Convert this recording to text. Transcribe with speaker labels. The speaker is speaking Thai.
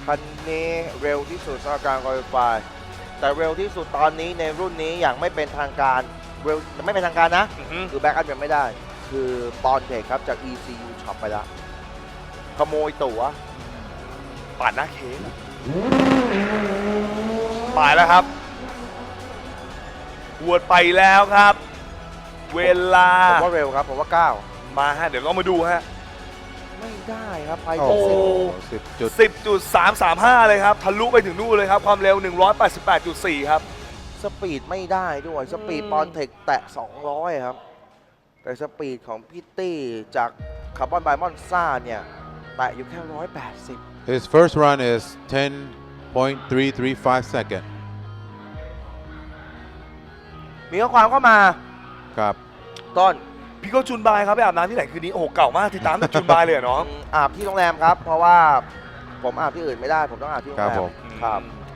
Speaker 1: คันนี้เร็วที่สุดสำหรับการคุริฟายแต่เร็วที่สุดตอนนี้ในรุ่นนี้อย่างไม่เป็นทางการเร็วไม่เป็นทางการนะคือแบ็กอัพยังไม่ได้คือปอนเทคครับจาก ECU Shop ไปแล้วขโมยตั๋ว
Speaker 2: ปาดหน้าเค้กไปแล้วครับหวดไปแล้วครับ เวลา
Speaker 1: ผมว่าเร็วครับผมว่า
Speaker 2: มาฮะเดี๋ยวเรามาดูฮะ
Speaker 1: 9ไม่ได้ครับไป
Speaker 3: โอ้
Speaker 1: ที่
Speaker 3: โห
Speaker 1: 10
Speaker 2: 10.335 เลยครับทะลุไปถึงนู่นเลยครับความเร็ว 188.4 ครับ
Speaker 1: สปีดไม่ได้ด้วยสปีดปอนเทคแตะ 200 ครับ แต่สปีดของพี่ตี้จากคาร์บอนไบมอนซ่าเนี่ยแตะอยู่แค่ 180
Speaker 3: His first run is 10.335 second
Speaker 1: มีข้อความเข้ามา
Speaker 3: ครับ
Speaker 1: ต้น
Speaker 2: พี่ก็จุนบายครับไปอาบน้ำที่ไหนคืนนี้โอ้โหเก่ามากติดตามแต่จุนบายเลยเหรอน้อง
Speaker 1: อาบที่โรงแรมครับ เพราะว่าผมอาบที่อื่นไม่ได้ผมต้องอาบที่โรง
Speaker 3: ครั
Speaker 1: แร
Speaker 3: บผม ม
Speaker 1: ครับ
Speaker 2: อืม